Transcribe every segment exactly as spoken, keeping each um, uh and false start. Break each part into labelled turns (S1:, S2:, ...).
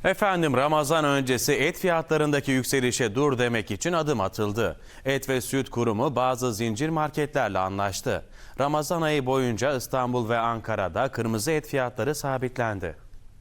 S1: Efendim Ramazan öncesi et fiyatlarındaki yükselişe dur demek için adım atıldı. Et ve Süt Kurumu bazı zincir marketlerle anlaştı. Ramazan ayı boyunca İstanbul ve Ankara'da kırmızı et fiyatları sabitlendi.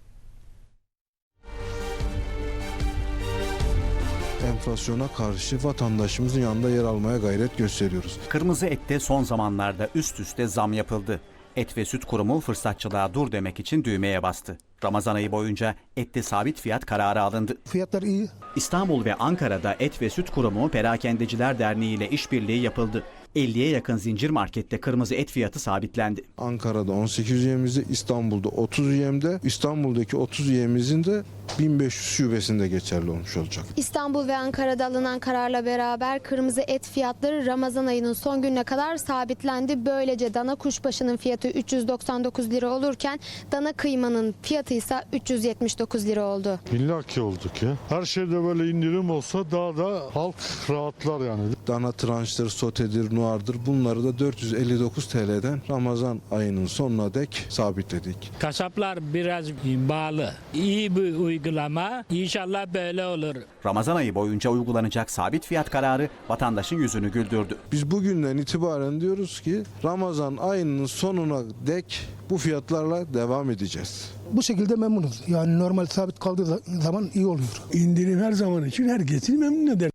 S2: Enflasyona karşı vatandaşımızın yanında yer almaya gayret gösteriyoruz.
S3: Kırmızı ette son zamanlarda üst üste zam yapıldı. Et ve Süt Kurumu fırsatçılığa dur demek için düğmeye bastı. Ramazan ayı boyunca ette sabit fiyat kararı alındı.
S4: Fiyatlar iyi.
S3: İstanbul ve Ankara'da Et ve Süt Kurumu Perakendeciler Derneği ile işbirliği yapıldı. elliye yakın zincir markette kırmızı et fiyatı sabitlendi.
S2: Ankara'da on sekiz üyemizde, İstanbul'da otuz üyemde, İstanbul'daki otuz üyemizin de bin beş yüz şubesinde geçerli olmuş olacak.
S5: İstanbul ve Ankara'da alınan kararla beraber kırmızı et fiyatları Ramazan ayının son gününe kadar sabitlendi. Böylece dana kuşbaşının fiyatı üç yüz doksan dokuz lira olurken dana kıymanın fiyatı ise üç yüz yetmiş dokuz lira oldu.
S6: İllaki olduk ya. Her şeyde böyle indirim olsa daha da halk rahatlar yani.
S2: Dana tranştır, sotedir, nuardır, bunları da dört yüz elli dokuz T L'den Ramazan ayının sonuna dek sabitledik.
S7: Kasaplar biraz bağlı. İyi bir uygulama. İnşallah böyle olur.
S3: Ramazan ayı boyunca uygulanacak sabit fiyat kararı vatandaşın yüzünü güldürdü.
S2: Biz bugünden itibaren diyoruz ki Ramazan ayının sonuna dek bu fiyatlarla devam edeceğiz.
S4: Bu şekilde memnunuz. Yani normal sabit kaldığı zaman iyi oluyor.
S8: İndirim her zaman için herkesi memnun eder.